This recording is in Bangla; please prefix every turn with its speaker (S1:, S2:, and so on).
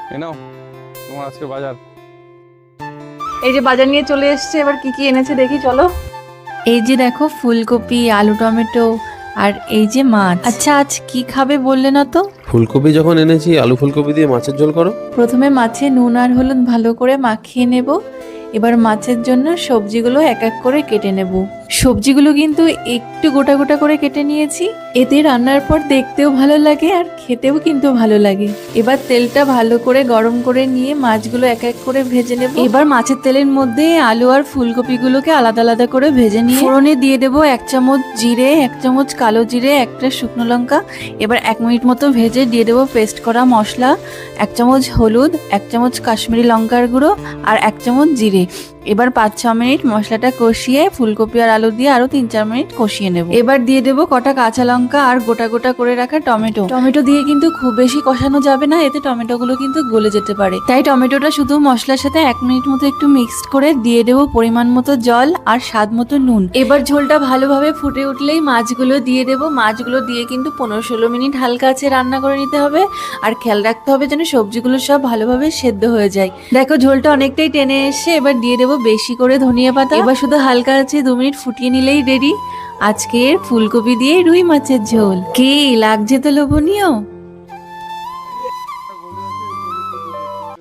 S1: এ নাও তোমার আজকে বাজার।
S2: এই যে বাজার নিয়ে চলে এসেছে, এবার কি কি এনেছে দেখি চলো।
S3: এই যে দেখো ফুলকপি, আলু, টমেটো, আর এই যে মাছ। আচ্ছা, আজ কি খাবে বললে না তো?
S4: ফুলকপি যখন এনেছি, আলু ফুলকপি দিয়ে মাছের ঝোল করো।
S3: প্রথমে মাছে নুন আর হলুদ ভালো করে মাখিয়ে নেব। এবার মাছের জন্য সবজিগুলো এক এক করে কেটে নেব। সবজিগুলো কিন্তু একটু গোটা গোটা করে কেটে নিয়েছি, এতে রান্নার পর দেখতেও ভালো লাগে আর খেতেও কিন্তু ভালো লাগে। এবার তেলটা ভালো করে গরম করে নিয়ে মাছগুলো এক এক করে ভেজে নেব। এবার মাছের তেলের মধ্যে আলু আর ফুলকপিগুলোকে আলাদা আলাদা করে ভেজে নিয়ে ফোড়নে দিয়ে দেবো 1 চামচ জিরে, 1 চামচ কালো জিরে, একটা শুকনো লঙ্কা। এবার 1 মিনিট মতো ভেজে দিয়ে দেবো পেস্ট করা মশলা, 1 চামচ হলুদ, 1 চামচ কাশ্মীরি লঙ্কার গুঁড়ো আর 1 চামচ জিরে। এবার 5-6 মিনিট মশলাটা কষিয়ে ফুলকপি আর আলু দিয়ে আরো 3-4 মিনিট কষিয়ে নেব। এবার দিয়ে দেবো কটা কাঁচা লঙ্কা আর গোটা গোটা করে রাখা টমেটো। টমেটো দিয়ে কিন্তু খুব বেশি কষানো যাবে না, এতে টমেটোগুলো কিন্তু গলে যেতে পারে। তাই টমেটোটা শুধু মশলার সাথে 1 মিনিট মতো একটু মিক্সড করে দিয়ে দেবো পরিমাণ মতো জল আর স্বাদ মতো নুন। এবার ঝোলটা ভালোভাবে ফুটে উঠলেই মাছগুলো দিয়ে দেবো। মাছগুলো দিয়ে কিন্তু 15-16 মিনিট হালকা আছে রান্না করে নিতে হবে। আর খেয়াল রাখতে হবে যেন সবজিগুলো সব ভালোভাবে সেদ্ধ হয়ে যায়। দেখো ঝোলটা অনেকটাই টেনে এসে, এবার দিয়ে দেবো বেশি করে ধনিয়া পাতা। এবার শুধু হালকা আছে 2 মিনিট ফুটিয়ে নিলেই রেডি আজকের ফুলকপি দিয়ে রুই মাছের ঝোল। কি লাগছে তো লোভনীয়।